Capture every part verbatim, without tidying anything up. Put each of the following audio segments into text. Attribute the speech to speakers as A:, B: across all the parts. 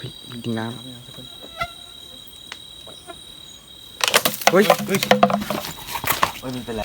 A: ฮ้ยกินน้ำเฮ้ยเฮ้ยเฮ้ยมันเป็นไร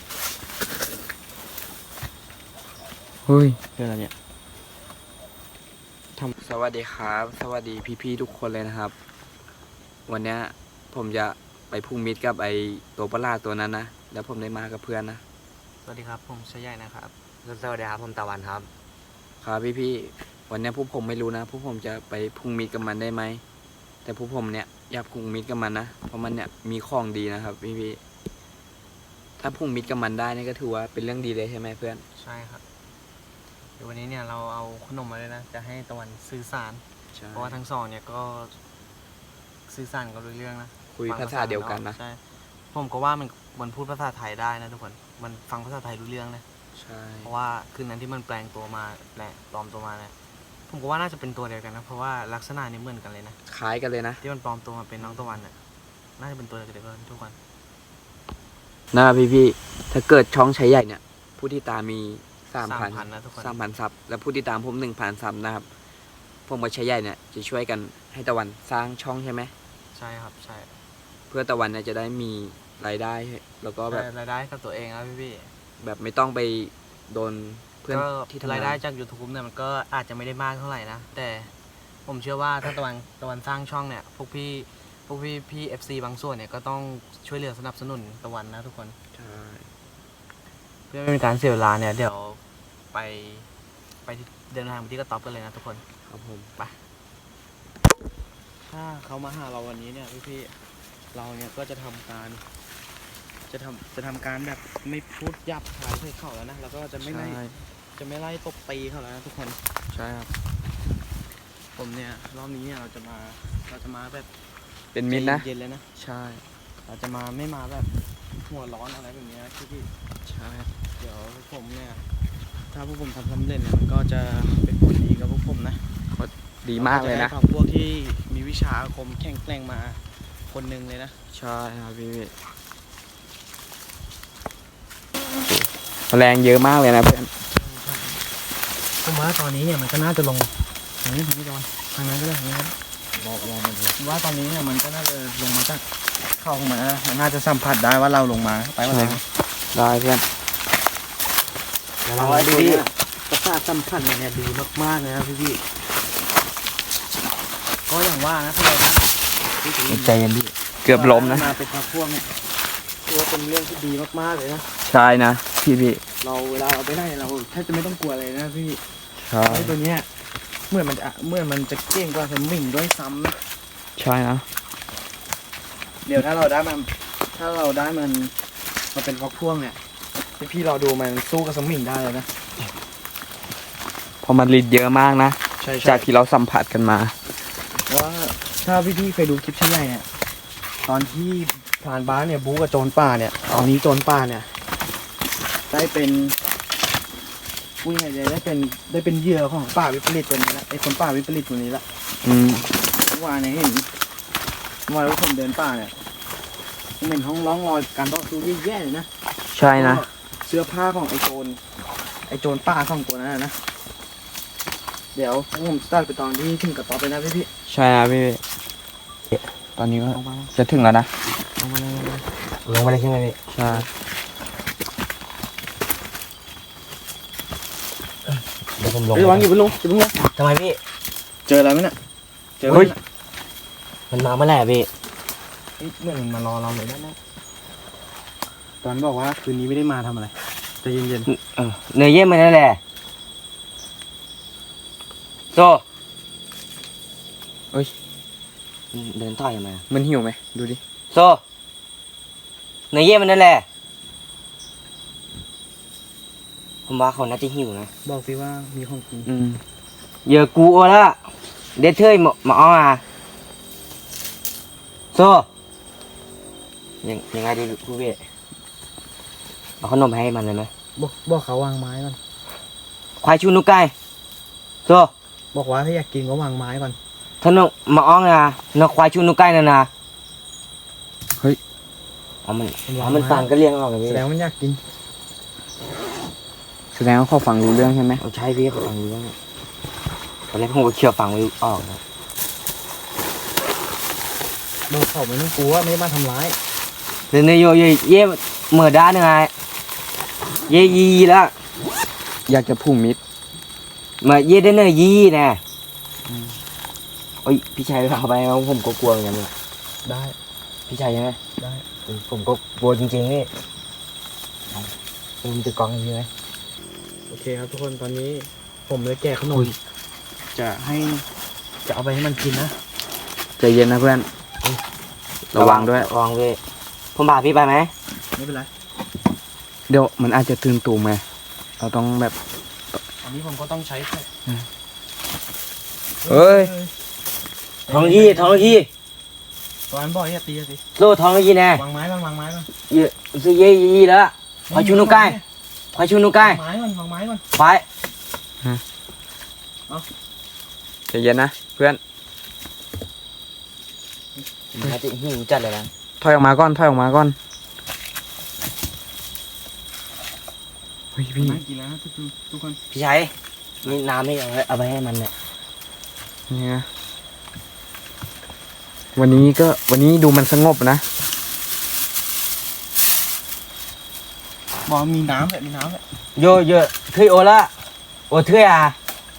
A: เฮ้ยเป็นอะไรเนี่ยทำสวัสดีครับสวัสดีพี่ๆทุกคนเลยนะครับวันนี้ผมจะไปพุ่งมิตรกับไอตัวประหลาดตัวนั้นนะแล้วผมได้มากับเพื่อนนะ
B: สวัสดีครับผมชายใหญ่นะครับสวัสดีครับผมตะวันครับ
A: ครับพี่ๆวันนี้พวกผมไม่รู้นะพวกผมจะไปพุ่งมิตรกับมันได้ไหมแต่พวกผมเนี่ยอยากพุ่งมิตรกับมันนะเพราะมันเนี่ยมีของดีนะครับพี่ๆถ้าพุ่งมิตรกับมันได้นี่ก็ถือว่าเป็นเรื่องดีเลยใช่ไหมเพื่อน
B: ใช่ครับเดี๋ยววันนี้เนี่ยเราเอาขนมมาเลยนะจะให้ตะวันสื่อสารเพราะว่าทั้งสองเนี่ยก็สื่อสารกันรู้เรื่องนะ
A: คุยภาษาเดียวกันนะ
B: ใช่ผมก็ว่ามันมันพูดภาษาไทยได้นะทุกคนมันฟังภาษาไทยรู้เรื่องนะ
A: ใช่
B: เพราะว่าคืนนั้นที่มันแปลงตัวมาแปลงปลอมตัวมาเนี่ยผมก็ว่าน่าจะเป็นตัวเดียวกันนะเพราะว่าลักษณะนี่เหมือนกันเลยนะ
A: คล้ายกันเลยนะ
B: ที่มันปลอมตัวมาเป็นน้องตะวันน่ะน่าจะเป็นตัวเดียวกันทุกคน
A: นะพี่ๆถ้าเกิดช่องใช้ใหญ่เนี่ยผู้ที่ตามมีสามพัน
B: นะทุกคน
A: สามพันซับและผู้ที่ตามผมหนึ่งพันซับนะครับผมกับใช้ใหญ่เนี่ยจะช่วยกันให้ตะวันสร้างช่องใช่ไหม
B: ใช่ครับใช่
A: เพื่อตะวันเนี่ยจะได้มีรายได้แล้วก็แบบ
B: รายได้กับตัวเองครับพี่
A: ๆแบบไม่ต้องไปโดนเพื่อนที่ทำราย
B: ได้จาก ยูทูบ เนี่ยมันก็อาจจะไม่ได้มากเท่าไหร่นะแต่ผมเชื่อว่าถ้าตะวันตะวันสร้างช่องเนี่ยพวกพี่พวกพี่พี่ เอฟ ซี บางส่วนเนี่ยก็ต้องช่วยเหลือสนับสนุนตะวันนะทุกคน
A: ใช่
B: เพื่อไม่เป็นการเสียเวลาเนี่ยเดี๋ยวไปไปเดินทางไปที่กระต๊อบกันเลยนะทุกคน
A: ครับผม
B: ไปถ้าเขามาหาเราวันนี้เนี่ยพี่พี่เราเนี่ยก็จะทำการจะทำจะทำการแบบไม่พูดยับขายใส่เขาแล้วนะแล้วก็จะไม่ไล่จะไม่ไล่ตบตีเขาแล้วนะทุกคน
A: ใช่ครับ
B: ผมเนี่ยรอบนี้เนี่ยเราจะมาเราจะมาแบบ
A: เป็นมิตรนะ
B: เย็นเลยนะ
A: ใช่
B: เราจะมาไม่มาแบบหัวร้อนอะไรแบบนี้นะพี่พี่
A: ใช่
B: เดี๋ยวผมเนี่ยถ้าพวกผมทำสำเร็จเนี่ยมันก็จะเป็นผลดีกับพวกผมนะ
A: ดีมากเลยนะ
B: พวกที่มีวิชาอาคมแข็งแกร่งมาคนหนึ่งเลยนะ
A: ใช่ครับพี่แรงเยอะมากเลยนะเพื่อน
B: ผมว่าตอนนี้เนี่ยมันก็น่าจะลงทางนี้ทางนี้ก่อนทางนั้นก็ได้ทางนี้ครับ
A: บอกว่ามัน
B: ผมว่าตอนนี้เนี่ยมันก็น่าจะลงมาจากเข้ามามันน่าจะสัมผัสได้ว่าเราลงมาไปว่าอะไร
A: ได้เพื่อน
B: เราดูประสาทสัมผัสเนี่ยดีมากๆเลยนะพี่พี่ก็อย่างว่านะพี่เรานะ
A: ใจเย็นพี่เกือบล้มนะ
B: มาเป็นพระพวกเนี่ยถือว่าเป็นเรื่องที่ดีมากๆเลยนะ
A: ใช่นะพี่พี่
B: เราเวลาเราไปได้เราแทบจะไม่ต้องกลัวเลยนะพี่
A: ใช่
B: ตัวเนี้ยเมื่อมันจะเมื่อมันจะเก่งกว่าสมิงด้วยซ้ำนะ
A: ใช่นะ
B: เดี๋ยวถ้าเราได้มันถ้าเราได้มันมาเป็นพวกพวกเนี่ยพี่เราดูมันสู้กับสมิงได้เลยนะ
A: พอมันฤทธิ์เยอะมากนะจากที่เราสัมผัสกันมา
B: ว่าถ้าพี่พี่เคยดูคลิปชิ้นใหญ่เนี่ยตอนที่พรานบ้านเนี่ยบู๊กับโจรป่าเนี่ยตอนนี้โจรป่าเนี่ยได้เป็นผู้ใหญ่เลยได้เป็นได้เป็นเหยื่อของป่าวิปริตตัวนี้ละไอ้คนป่าวิปริตตัวนี้ละ
A: อืม
B: เมื่อวานเนี่ยเห็นเมื่อวานผมเดินป่าเนี่ยผมเห็นห้องร้องรอยการต่อสู้แย่ๆเลยนะ
A: ใช่นะ
B: เสื้อผ้าของไอ้โจรไอ้โจรป่าของตัวนั้นนะเดี๋ยวผมสตาร์ทไปตอนที่ถึงกระต๊อบไปนะพี่พี่
A: ใช่นะพี่ตอนนี้ก็จะถึงแล้วนะ
B: ลงมาเลยลงมาเลยใช่ไหมพี่
A: ใช่
B: เดี๋ยวผมลงระวังอยู่บนลงอยู่บนลงทำไมพี่เจออะไรไหมเนี่ยเจอไหมมันมาเมื่อไหร่พี่เมื่อมันมารอเราเลยนั่นนะตอนบอกว่าคืนนี้ไม่ได้มาทำอะไรใจเย็น
A: ๆเออเนยเยี่ยมมาแล้วแหละโตเฮ้ยเดินต่อยมามันหิวไหมดูดิโซเนยเยี่ยมมันนั่นแหละผมว่าเขาน่าจะหิวนะ
B: บอกสิว่ามีของกิน
A: อืมเยอะกูเอาละเด็ดเทยหมาอ้อมาโซยังยังไงดีกูเวเอาขนมให้มันเลยไหม
B: บอกบอกเขาวางไม้ก่อน
A: ควายชูนุกไก่โซ
B: บอกว่าถ้าอยากกินก็วางไม้ก่อน
A: ถ้านกมาอ้องนะนกควายชูนุกไก่นะนะเฮ้ยเอามันเอามันฟังก็เลี้ยงออกเลย
B: แสดงมันอยากกิน
A: แสดงว่าเขาฟังรู้เรื่องใช่ไหมใช่พี่เขาฟังรู้เรื่องตอนแรกผมก็เชื่อฟังไม่ออกนะ
B: โดนเขาไม่ต้องกลัวไม่ได้มาทำร้าย
C: Từ nơi vô ye mở đá nữa ai ye gì đó
A: อยากจะผูกมิตร
C: mà ye đến nơi gì nè ôi พี่ชัยเอาไปเอาผมก็กลัวเหมือนกันเนี่ย
B: ได้
C: พี่ชัยใช่ไหม
B: ได้
C: เออผมก็กลัวจริงๆนี่ผมจะกองใช่ไหม
B: โอเคครับทุกคนตอนนี้ผมเลยแกะขนมจะให้จะเอาไปให้มันกินนะ
A: ใจเย็นนะเพื่อน ระวังด้วย
C: ระวังด้วยผมพาพี่ไปไหม
B: ไม่เป็นไร
A: เดี๋ยวมันอาจจะตื่นตูมไงเราต้องแบบ
B: อันนี้ผมก็ต้องใช้แค่
A: เฮ้ย
C: ทองยี่ทองยี่
B: ตอนบ่อยอย่าตีสิ
C: โลทองยี่แน่
B: วางไม้ก่อนวางไม้ก่อน
C: เยอะซื้อเยยี่แล้วพอชูนุกไก่พอชูนุกไก่
B: วางไม้ก่อนวางไม้ก่อน
C: ไป
A: ใจเย็นนะเพื่อน
C: มาติหิวจัดเลยนะ
A: ถอยออกมาก่อนถอยออกมาก่อนเฮ้ยพี่
B: ไม้กินแล้วนะทุกคนทุกคน
C: พี่ชัยนี่น้ำนี่เอาไว้เอาไปให้มันเนี่ย
A: นี่นะวันนี้ก็วันนี้ดูมันสงบนะ
B: บอกมีน้ำแบบมีน้ำแบบ
C: โยเยอะเทื่อยโอละโอเทื่อยอ่ะ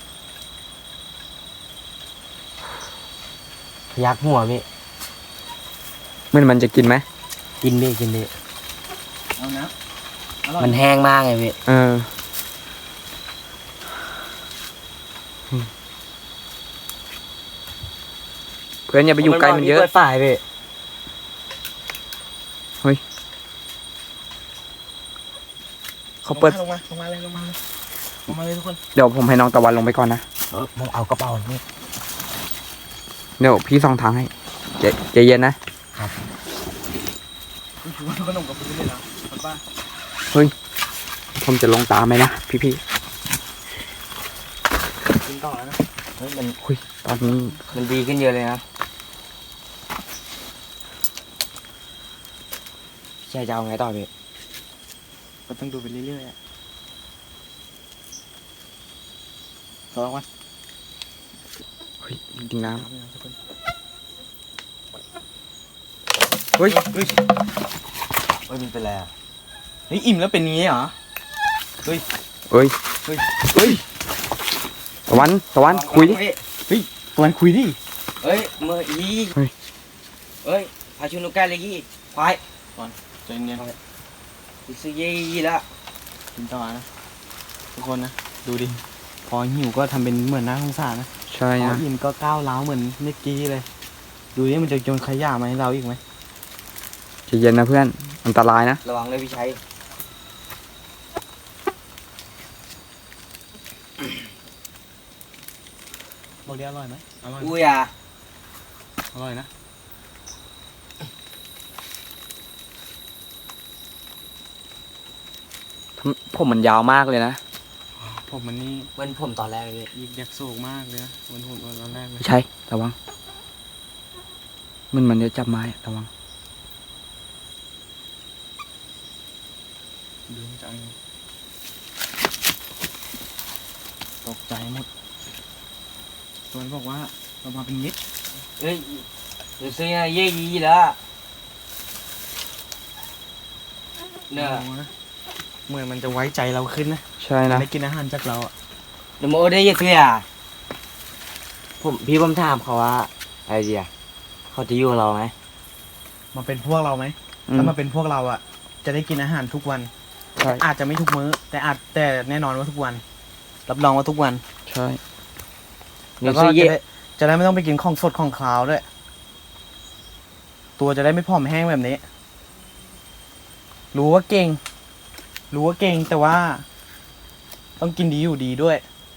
C: ยักหัวพี่
A: มันมันจะกินไหม
C: กินพี่กินพี่
B: เอานะอร่อย
C: มันแห้งมากไงพี่
A: เออเพื่อนอย่าไปอยู่ใกล้มันเยอะ
C: เปิดฝ่ายพี่
A: เขาเปิด
B: ลงมาลงมาเลยลงมาเลยลงมาเลยทุกคน
A: เดี๋ยวผมให้น้องตะวันลงไปก่อนนะ
C: เออมึงเอากระเป๋านี่
A: เดี๋ยวพี่ส่องทางให้ใจใจเย็นนะ
B: นี่ถือว่าขนมกับพื้นเลยนะคนบ้า
A: ผมจะลงตามไหมนะพี่พี่
B: กินต่อแล้วนะ
C: เฮ้ยมัน
A: ๆคุยตอนนี้
C: มันดีขึ้นเยอะเลยนะพี่ชายจะเอาไงต่อพี่
B: ก็ต้องดูไปเรื่อยๆอ่ะต่อวัน
A: เฮ้ยจริงๆน้
B: น้ำเลยนะทุกคน
A: ำเฮ้ย
B: เฮ้ย
C: เฮ้ยมันเป็นไรอ่ะ
B: เฮ้ยอิ่มแล้วเป็นอย่างงี้เหรอ
A: เฮ้ย
B: เฮ้ย
A: เฮ้ยตะวันตะวันคุยดิ
B: ตอนคุยดิ
C: เฮ้ยมืออี
A: เฮ้ย
C: เฮ้ยพาชุนุกแกเลยยี่ควาย
B: ใจเย็น
C: ซื้อเยี่แล้ว
B: กินต่อนะทุกคนนะดูดิพอหิวก็ทำเป็นเหมือนน่าสงสารนะ
A: ใช่
B: พอ
A: นะ
B: อิ่มก็ก้าวร้าวเหมือนเมื่อกี้เลย ดูนี่มันจะโยนขยะมาให้เราอีกไหม
A: ใจเย็นนะเพื่อนอันตรายนะ
C: ระวังเลยพี่ชัย
B: บอกดิอร่อยไหมอร่อย
C: อุ้ยอ่ะ
B: อร่อยนะ
A: ผมมันยาวมากเลยนะ
B: ผมมันนี่
C: เหมือนผมตอนแรกเลย
B: ยิกยักสูงมากเลยนะเหมือนผมตอนแรกเลย
A: ไม่ใช่ระวังมันมันจะจับไม้ระวัง
B: ดูจังตกใจหมดตัวนั้นบอกว่าเรามาเป็นมิตร
C: เฮ้ยซื้อเยี่ยี่แล้วเนี่ย
B: โอ้นะเหมือนมันจะไว้ใจเราขึ้นนะ
A: ใช่นะ
B: ได้กินอาหารจากเราอ่ะ
C: เดี๋ยวโมได้ยี่ซื้ออ่ะผมพี่ผมถามเขาว่าอะไรดีอ่ะเขาจะอยู่กับเราไหม
B: มาเป็นพวกเราไหม
A: อืม
B: ถ้ามาเป็นพวกเราอ่ะ จะได้กินอาหารทุกวัน
A: ใช่
B: อาจจะไม่ทุกมื้อ แต่อาจแต่แน่นอนว่าทุกวัน รับรองว่าทุกวัน
A: ใช่
B: แล้วก็
C: ซื้อ
B: จะ
C: เยี่
B: ได้จะได้ไม่ต้องไปกินของสดของคาวด้วย ตัวจะได้ไม่ผอมแห้งแบบนี้ รู้ว่าเก่ง รู้ว่าเก่งแต่ว่า ต้องกินดีอยู่ดีด้วย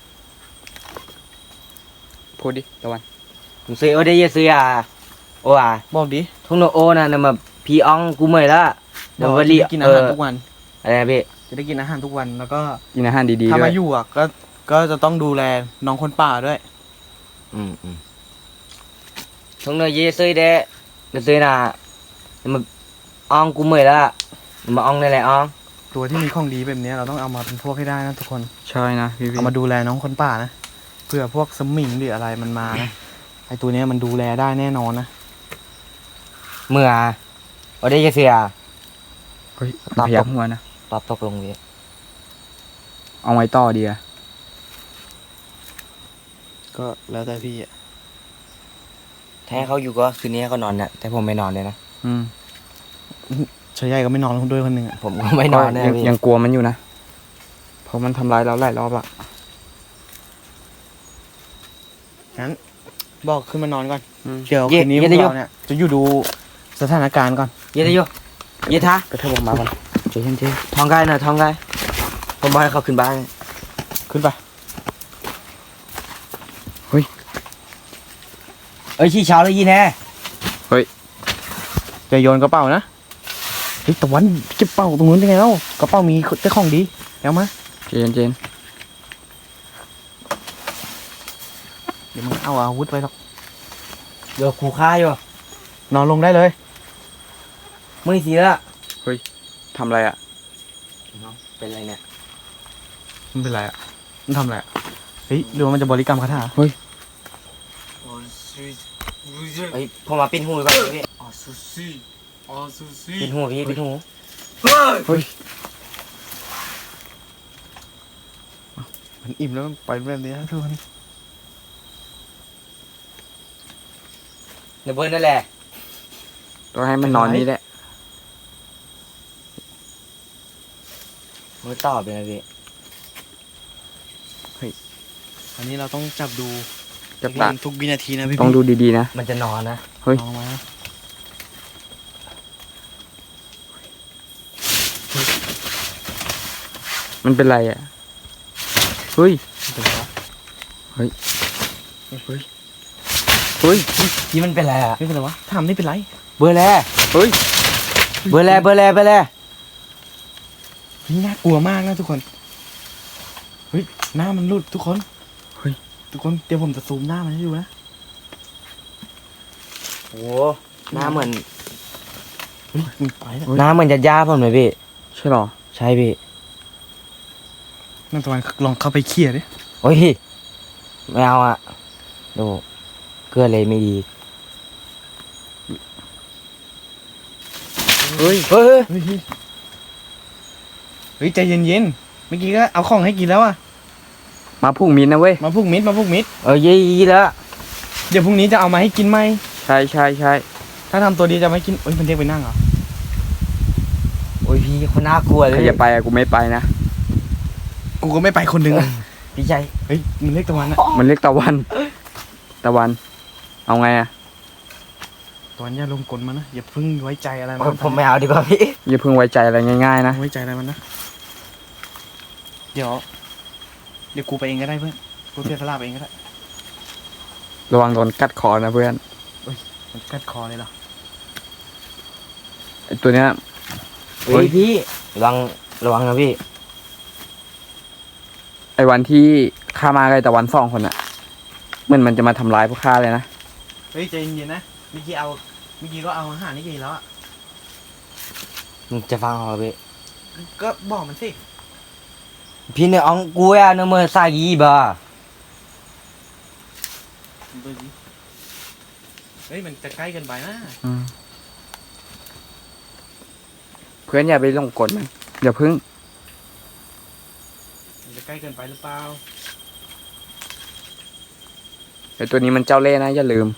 A: พูดดิตะวัน
C: ผมซื้อโอได้ยี่ซื้ออ่ะโอ้อ่ะ
B: บอกดิ
C: ทุ่งโนโอนะเนี่ยมาพี่อองกูเมื่อยละเดี๋ยว
B: บอก
C: วัน
B: จะ
C: นี้
B: ได้กินอา
C: เอ
B: หาร
C: อ
B: ทุกวัน
C: อะไรนะพี่
B: จะได้กินอาหารทุกวัน แล้วก็
A: กินอาหารดีๆ
B: ถ้า
A: ด้ว
B: มาย อยู่อ่ะ ก็ ก็จะต้องดูแลน้องคนป่าด้วย
C: อืมอืมทุ่งโนยี่ซื้อเด้เดี๋ยวซื้อนะเดี๋ยวมาอองกูเมื่อยละเดี๋ยวมาอองได้แหละออง
B: ตัวที่มีของดีแบบนี้เราต้องเอามาเป็นพวกให้ได้นะทุกคน
A: ใช่นะพี่พี่
B: เอามาดูแลน้องคนป่านะ เพื่อพวกสมิงหรืออะไรมันมานะ ไอตัวเนี้ยมันดูแลได้แน่นอนนะ
C: เมื่อโอ้ได้จะเสีย
A: เฮ้ย
C: ตอบ
A: พยักหัวนะ
C: ตอบตกลงพี่
A: เอาไว้ต่อดีอะ
B: ก็แล้วแต่พี่อะ
C: ถ้าให้เขาอยู่ก็คืนนี้ให้เขานอนเนี่ยแต่ผมไม่นอนเลยนะ
A: อืม
B: ชายใหญ่ก็ไม่นอนคนด้วยคนหนึ่งอะ
C: ผมก็ไม่นอนแน่
A: ยัง
C: พี่
A: ยังกลัวมันอยู่นะเพราะมันทำร้ายเราหลายรอบละ
B: งั้นบอกขึ้นมานอนก่อน
A: อืม
B: เดี๋ยวคืนนี้พวกเราเนี่ยจะอยู่ดูสถานการณ์ก่อน
C: เย็นอยู่เย็นท่าก
A: ระเทบออกมาก่อนเจ๊เจ๊
C: ท้องไกลหน่อยท้องไกลผมบอกให้เขาขึ้นบ้าน
B: ขึ้นไป
C: เอ้ยชี้เช้าเลยยีแน่
B: จะโยนกระเป๋านะเฮ้ยตะวันเก็บเป๋าตรงนู้นได้ไงเล่ากระเป๋ามีแต่ของดีเอามา
A: เจ๊เจ๊
B: เดี๋ยวมึงเอาอาวุธไปหรอก
C: เดี๋ยวขู่ฆ่าอยู่
B: นอนลงได้เลย
C: ไม่เสียละ
A: ทำอะไรอะ
C: เป็นไรเนี่ย
B: มันเป็นไรอ่ะมันทำอะไรอ่ะเฮ้ยหรือว่ามันจะบริกรรมคาถา
C: เฮ้ยผมมาปิ้นหูก่อนพี่ปิ้นหูพี่ปิ้นหู
B: มันอิ่มแล้วมันไปแบบนี้นะทุกคน
C: เดี๋ยวเบิร์นนั่นแหละ
A: ต้องให้มันนอนนี่แหละ
C: มือตอบเลยนะพี่
B: อันนี้เราต้องจับดู
A: จับตา
B: ทุกวินาทีนะพี่
A: ต้องดูดีๆนะ
C: มันจะนอนนะ
A: เฮ้ย
B: ลองมา
A: มันเป็นไรอะเฮ้ย
B: เป็นไรวะ
A: เฮ้ย
B: เฮ้ย
A: เฮ้ย
C: ที่มันเป็นไรอ่ะ
B: ไม่เป็นไรวะทำไม่เป็นไร
C: เบอร์แล
A: เฮ้ย
C: เบอร์แลเบอร์แลเบอร์แล
B: เฮ้ยน่ากลัวมากนะทุกคนเฮ้ยหน้ามันหลุดทุกคน
A: เฮ้ย
B: ทุกคนเดี๋ยวผมจะซูมหน้ามันให้ดูนะ
C: โอ้หน้าเหมือน
B: เฮ้ยมันไปแล้ว
C: หน้าเหมือนจะย่าผมเลยพี่
A: ใช่หรอ
C: ใช่พี่
B: นั่นตะวันลองเข้าไปเคลียร์ดิ
C: โอ้ยไม่เอาอ่ะดูเกลือเลยไม่ดี
A: เฮ้ย
C: เฮ้ย
B: เฮ้ยเฮ้ยเฮ้ยใจเย็นๆเมื่อกี้ก็เอาของให้กินแล้วอะ
A: มาพุ่งมินนะเว้ย
B: มาพุกมิดมาพุกมิด
C: เออยี่ยี่แล้ว
B: เดี๋ยวพรุ่งนี้จะเอามาให้กินไหม
A: ใช่ใช่ใช่
B: ถ้าทำตัวดีจะไม่กินเอ้ยมันเรียกไปนั่งเหรอ
C: โอ้ยพี่คนน่ากลัวเล
A: ใคร
C: ย
A: จะไปอะกูไม่ไปนะ
B: กูก็ไม่ไปคนหนึ่งอะ
C: พี่ใจ
B: เฮ้ยมันเรียกตะวันอะ
A: มันเรียกตะวัน ตะวัน เอาไงอะ
B: ตะวันอย่าลงกลมันนะอย่าเพึ่งไว้ใจอะไร
C: โอ้
B: มั
C: ยผมไม่เอาดีกว่าพี่
A: อย่าเพิ่งไว้ใจอะไรง่ายๆนะ
B: ไว้ใจอะไรมันนะเดี๋ยวเดี๋ยวกูไปเองก็ได้เพื่อนกูเสียสละไปเองก็ได้
A: ระวังโดนกัดคอนะเพื่อน
B: มันกัดคอเลยเหรอ
A: ไอตัวเนี้ย
C: เฮ้ยพี่ระวังระวังนะพี่
A: ไอวันที่ข้ามากับไอ้ตะวันสองคนอะเหมือนมันจะมาทำร้ายพวกข้าเลยนะ
B: เฮ้ยใจเย็นๆนะเมื่อกี้เอาเมื่อกี้ก็เอาอาหารนี่กินแล้วอะ
C: มึงจะฟังเขาเหรอพี่
B: ก็บอกมันสิ
C: พี่เนี่ยอองกูอะเนื้อมือซากีบ่า
B: ดูดิเฮ้ยมันจะใกล้เกินไปนะ
A: อืมเพื่อนอย่าไปหลงกลมันอย่าพึ่ง
B: มันจะใกล้เกินไปหรือเปล่า
A: ไอตัวนี้มันเจ้าเล่ห์นะอย่าลืม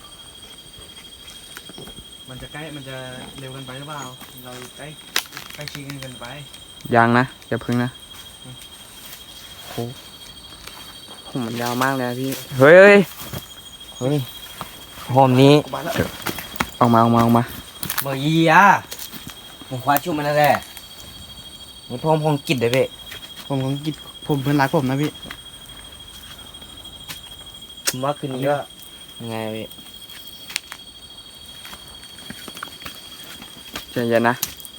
B: มันจะใกล้มันจะเร็วเกินไปหรือเปล่าเราใกล้ใกล้ชิดกันเกินไป
A: ยังนะอย่าพึ่งนะโอ้ผมมันยาวมากเลยนะพี่ เฮ้ยเฮ้ย
C: เฮ้ยผมนี้
B: กูไปแล้ว
A: ออกมาออกมาออกมา
C: เบอร์ยี่อะผมคว้าชุ่มมันนั่นแหละนี่ผมคงกิดเลยพี่
B: ผมของกิจผมเพื่อนรักผมนะพี่
C: ผมว่าคืนนี้ก็ยังไงพี่
A: ใจเย็นนะ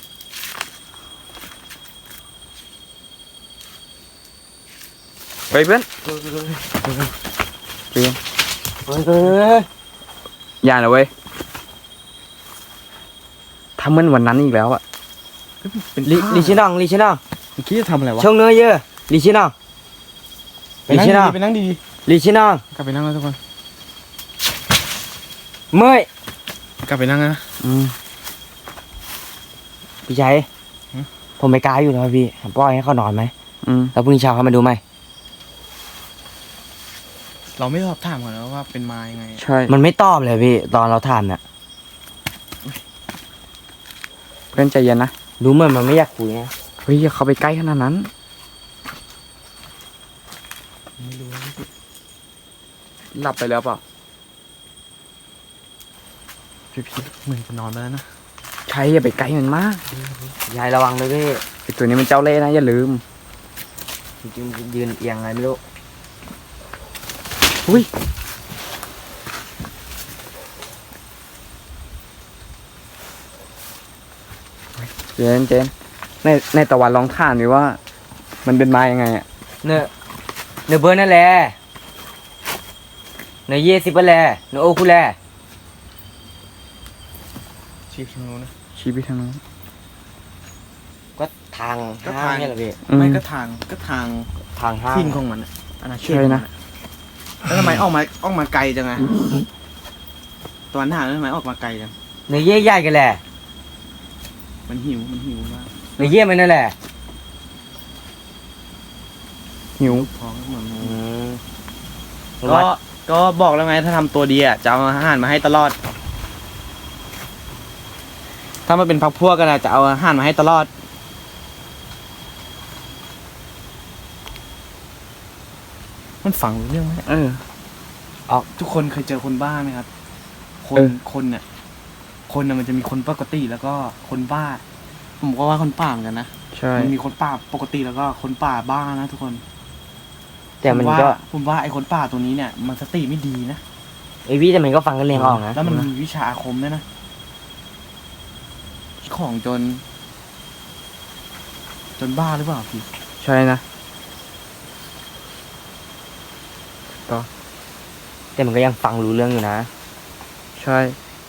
A: เฮ้ยเพื่อนใจเย็น
C: เฮ้ยเฮ้ย
A: อย่านะเว้ยทำเหมือนวันนั้นอีกแล้วอะ
B: เป็น
C: ลิ
B: ผ้า
C: ลิชินองลิชินอง
B: เมื่อกี้จะทำอะไรวะ
C: ช่องเนื้อเยอะลิชินอง
B: ไปนั่ง
C: ลิชินอง
B: ดีๆไปนั่งดี
C: ลิชินอง
B: ๆกลับไปนั่งแล้วทุกคน
C: เมื่อย
B: กลับไปนั่งนะ
A: อืม
C: พี่ชัยผมไม่กล้าอยู่แล้วพี่ปล่อยให้เขานอนไหม
A: อืม
C: แล้วพรุ่งนี้เช้าเขามาดูไหม
B: เราไม่สอบถามก่อนแล้วว่าเป็นมายังไง
A: ใช่
C: มันไม่ตอบเลยพี่ตอนเราถามเนี่ย
A: เพื่อนใจเย็นนะ
C: ดูเหมือนมันไม่อยากคุยนะ
A: เฮ้ยอย่าเข้าไปใกล้ขนาดนั้น
B: ไม่รู้นะพี่
A: หลับไปแล้วเปล่า
B: พี่พี่เหมือนจะนอนไปแล้วนะ
A: ใช่อย่าไปใกล้มันมาก
C: ยายระวังเลยพี่
A: ไอตัวนี้มันเจ้าเล่ห์นะอย่าลืม
C: จริงๆยืนเอียงไงไม่รู้
A: อุ้ยเจนเจนในในตะวันลองถามดิว่า มันเป็นมายังไงอ่ะ
C: เนอะเนอะเบอร์นั่นแหละเนอะเยสิบนั่นแหละเนอะโอคุแล
B: ชีพทางนู้นนะ
A: ชี้ไปทางนู้น
C: ก็ทาง
B: ก็
C: ห้า
B: ทาง
C: งเนี่ยแหละพี่
B: ไม่ก็ทางก็ทาง
C: ทางห้าง
B: ทิ้งของมันอะอาณาเขต
A: ใช่
B: ของมั
A: นะ
B: แล้วทำไมออกมาออกมาไกลจังไงตอนหาแล้วทำไมออกมาไกลจัง
C: เนอะเย่ใหญ่กันแหละ
B: มันหิวมันหิวมาก
C: เนอะเย่มันนั่นแหละ
A: หิว
B: ท้องเหมือน
C: อืม
B: ก็ก็บอกแล้วไงถ้าทำตัวดีอ่ะจะเอาอาหารมาให้ตลอด ถ้ามันเป็นพักพวกกันอะจะเอาอาหารมาให้ตลอด มันฝังรู้เรื่องไหม
A: เออ
B: ออกทุกคนเคยเจอคนบ้าไหมครับ คน
A: เออ
B: คนเนี่ยคนน่ะมันจะมีคนปกติแล้วก็คนบ้า ผมก็ว่าคนป่าเหมือนกันนะ
A: ใช่
B: มันมีคนป่าปกติแล้วก็คนป่าบ้านะทุกคน
C: แต่มัน
B: ผว่า
C: ก็
B: ผมว่าไอ้คนป่าตัวนี้เนี่ย มันสติไม่ดีนะ
C: ไอพี่แต่มันก็ฟังกันเรียงออกนะ
B: แล้วมันมีวิชาอาคมด้วยนะ ของจน จนบ้าหรือเปล่าพี่
A: ใช่นะ
C: แต่มันก็ยังฟังรู้เรื่องอยู่นะ
A: ใช่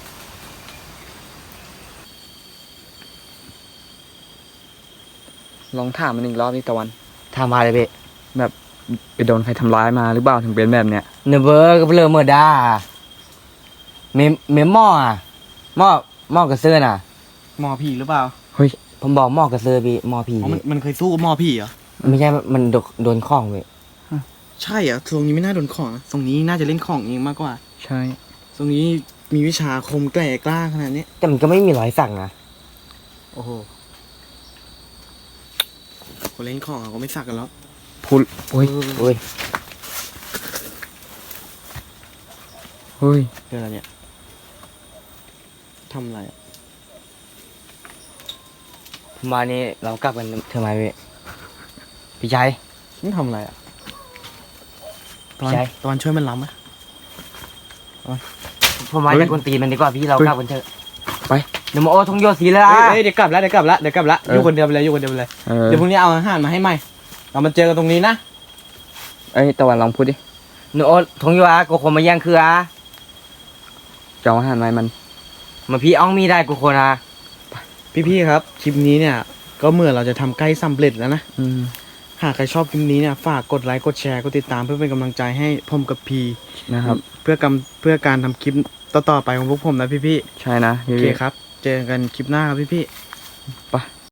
A: ลองถามมันอีกรอบนี่ตะวัน
C: ทำมาเลยพี่
A: ไปโดนใครทำร้ายมาหรือเปล่าถึงเป็นแบบเนี้ย
C: เนอะเบอร์ก็เลอเมื่อด้าเมมเมมหม้ออะหม้อหม้อกระเซื้อน่ะ
B: หมอผีหรือเปล่า
C: ผมบอกหม้อกระเซื้อพี่หม้อผี
B: อ๋อมัน
C: พี่
B: มันเคยสู้กับหมอผีเหรอ
C: ไม่ใช่ มันโดนโดนข้องพี่
B: ใช่เหรอทรงนี้ไม่น่าโดนของนะทรงนี้น่าจะเล่นของเองมากกว่า
A: ใช่
B: ทรงนี้มีวิชาคมแกร่กล้าขนาดนี้
C: แต่มันก็ไม่มีรอยสักนะ
B: โอ้โห คนเล่นของเขาก็ไม่สักกันแล้ว
A: พูดโอ้ย
C: โอ้ย
A: เฮ้ย
B: เรื่องอะไรเนี่ยทำอะไรอะ
C: มานี่เรากลับกันเถอะไหมพี่พี่ชัย
B: นี่ทำอะไรอ่ะตอน
C: ใช่
B: ตอนช่วยมันล้ำไหม
C: ผมมา
A: เฮ้ย
C: จากคนตีนมันดีกว่าพี่เรา
A: เฮ้ย
C: กลับกันเถอะ
A: ไป
C: เดี๋ยวมาโอ้ทงโยสีแล้ว
B: เอ้
C: อ่ะ
B: ยเอ้ยเดี๋ยวกลับแล้วเดี๋ยวกลับแล้วเดี๋ยวกลับแล้วอ
A: เอออยู่
B: คนเดียวไปเลยอยู่คนเดียวไปเลย
A: เออ
B: เดี๋ยวพรุ่งนี้เอาอาหารมาให้ใหม่ เรามาเจอกันตรงนี้นะ
A: เอ้ยตะวันลองพูดดิ
C: เนอะโอ้ทงโยอ่ะกูคนมาแย่งคืออ่ะ
A: จะเอาอาหารไหมมัน
C: มาพี่อ้องมีได้กูคนอ่ะ
B: พี่ๆครับคลิปนี้เนี่ย ก็เมื่อเราจะทำใกล้สำเร็จแล้วนะ
A: อืม
B: หากใครชอบคลิปนี้เนี่ยฝากกดไลค์กดแชร์กดติดตามเพื่อเป็นกำลังใจให้ผมกับพี
A: นะครับ
B: เพื่อกำเพื่อการทำคลิปต่อๆไปของพวกผมนะพี่
A: ใช่นะ
B: ๆ
A: พี่
B: โอเคครับ เจอกันคลิปหน้าครับพี่ๆ
A: ไป